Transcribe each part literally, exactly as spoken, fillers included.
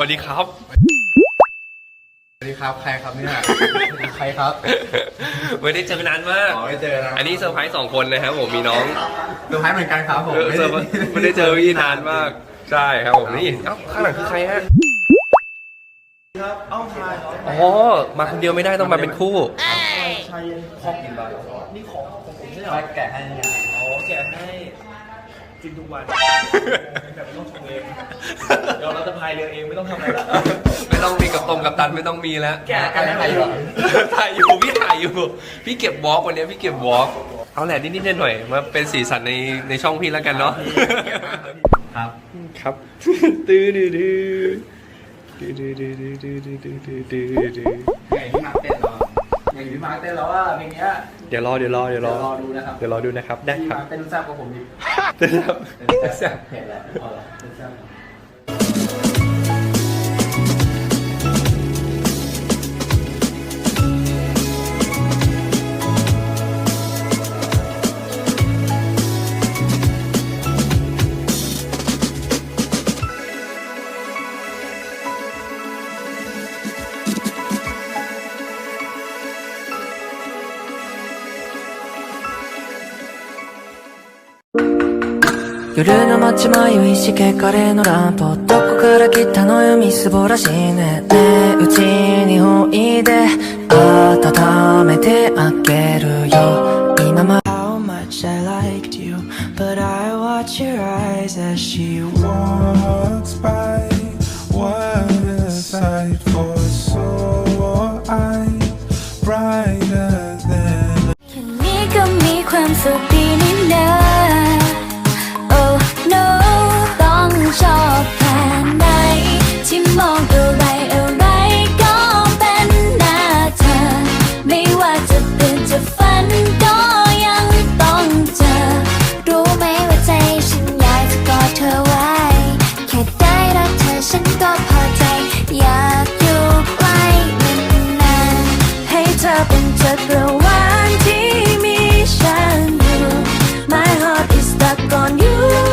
ดีครับสวัสดีครับใครครับเนี่ยใครครับไม่ได้เจอกันนานมากไม่เจอนะอันนี้เซอร์ไพรส์สองคนนะครับผมมีน้องเซอร์ไพรส์เหมือนกันครับผมไม่ได้เจอพี่นานมากใช่ครับผมนี่เอ้าข้างหลังคือใครฮะครับเอ้าชายอ๋อมาคนเดียวไม่ได้ต้องมาเป็นคู่ชายเย็นคอกกินบ้างนี่ของของผมใช่ไหมแกะให้อ๋อแกะให้กินทุกวันแบบไม่ต้องชงเองเดี๋ยวเราจะพายเรือเองไม่ต้องทำอะไรละไม่ต้องมีกับตรงกับตันไม่ต้องมีแล้วแกะกันถ่ายอยู่ถ่ายอยู่พี่ถ่ายอยู่พี่เก็บวอล์กวันนี้พี่เก็บวอล์กเอาแหละนิดๆหน่อยๆมาเป็นสีสันในในช่องพี่แล้วกันเนาะครับครับตื้อดื้อดื้อดื้อดื้อดื้อดื้อดื้อดื้อดื้อดื้อดื้ออย่างที่มาร์คเต้นเราอย่างที่มาร์คเต้นเราว่าเพลงนี้เดี๋ยวรอเดี๋ยวรอเดี๋ยวรอดูนะครับเดี๋ยวรอดูนะครับได้ครับเต้นแซ่บกว่าผมอีกเต้นแซ่บเต้นแซ่บเห็นแล้วเต้นแซ่บ夜の街迷いしけカレーのランプどこから来たのよみすぼらしいねねえうちにおいで温めてあげるよ今ま How much I liked you But I watch your eyes as she walks by What a sight for sore eyes Brighter than แค่นี้ก็มีความสุขดีนี่นาชอบแค่ไหนที่มองอะไรอะไรก็เป็นหน้าเธอไม่ว่าจะตื่นจะฝันก็ยังต้องเจอรู้ไหมว่าใจฉันอยากจะกอดเธอไว้แค่ได้รักเธอฉันก็พอใจอยากอยู่ใกล้นานๆให้เธอเป็นจักรวาลที่มีฉันอยู่ My heart is stuck on you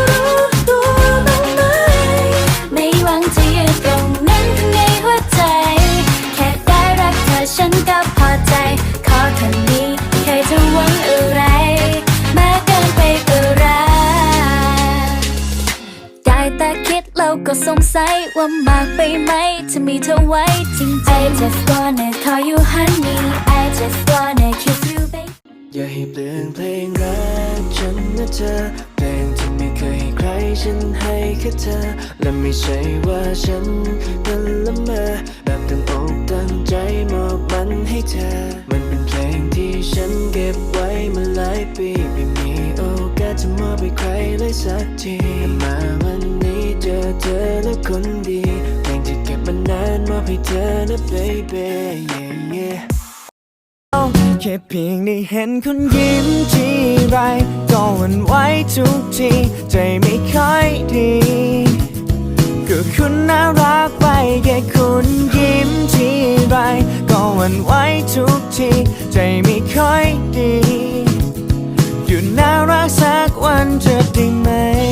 ฉันก็พอใจขอแค่นี้ไม่เคยจะหวังอะไรมากเกินไปก็รักได้แต่คิดแล้วก็สงสัยว่ามากไปไหมจะมีเธอไว้จริงๆ I just wanna call you honey I just wanna kiss you baby อย่าให้เปลี่ยนเพลงรักฉันนะเธอเพลงที่ไม่เคยให้ใครฉันให้แค่เธอและไม่ใช่ว่าฉันนั้นละเมอแบบตั้งอกตั้งใจมอบมันให้เธอมันเป็นเพลงที่ฉันเก็บไว้มาหลายปีไม่มีโอกาสจะมอบให้ใครเลยสักทีมาวันนี้เจอเธอแล้วคนดีเพลงที่เก็บมานานมอบให้เธอนะ baby yeah yeahแค่เพียงได้เห็นคุณยิ้มทีไรก็หวั่นไหวทุกทีใจไม่ค่อยดีก็คุณน่ารักไปแค่คุณยิ้มทีไรก็หวั่นไหวทุกทีใจไม่ค่อยดีอยู่น่ารักสักวันจะได้ไหม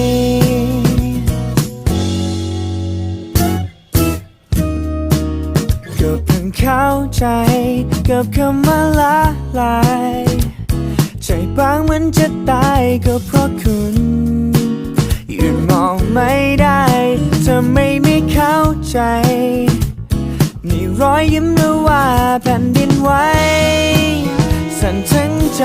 ก็เพิ่งเข้าใจกับคำว่าละลายใจบางเหมือนจะตายก็เพราะคุณหยุดมองไม่ได้เธอไม่ไม่เข้าใจนี่รอยยิ้มหรือว่าแผ่นดินไหวสั่นทั้งใจ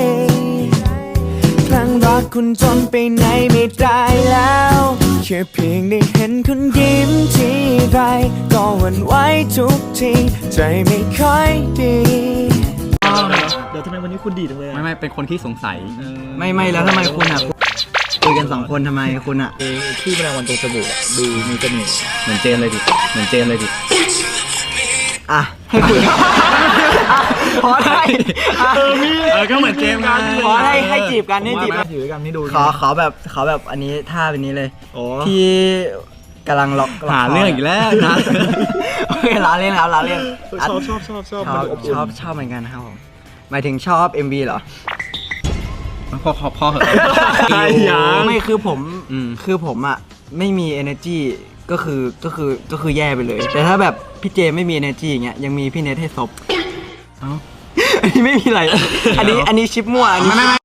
คลั่งรักคุณจนไปไหนไม่ได้แล้วแค่เพียงได้เห็นคุณยิ้มทีไรก็หวั่นไหวทุกทีใจไม่ค่อยดีเดี๋ยวทำไมวันนี้คุณดีจังเลยไม่ไม่เป็นคนที่สงสัยไม่ไม่แล้วทำไมคุณอ่ะคุยกันสองคนทำไมคุณอ่ะที่แมลงวันตรงจมูกดูมีเสน่ห์เหมือนเจนเลยดิเหมือนเจนเลยดิอ่ะให้คุยพอได้เออมีเออก็เหมือนเจมกันพอให้ให้จีบกันให้จีบกันถือกันนี่ดูขอขอแบบขอแบบอันนี้ท่าเป็นนี้เลยที่กำลังล็อกหาเรื่องอีกแล้วนะโอเคล้าเล่นครับล้าเล่นชอบชอบชอบชอบชอบชอบเหมือนกันครับผมหมายถึงชอบ เอ็ม วี เหรอพอพอพอเหรอไม่คือผมคือผมอ่ะไม่มี energy ก็ก็คือก็คือก็คือแย่ไปเลย แต่ถ้าแบบพี่เจไม่มี energy อย่างเงี้ยยังมีพี่เนทให้ซบเอ้า อันนี้ไม่มีอะไร อันนี้อันนี้ชิปมั่วอันนี้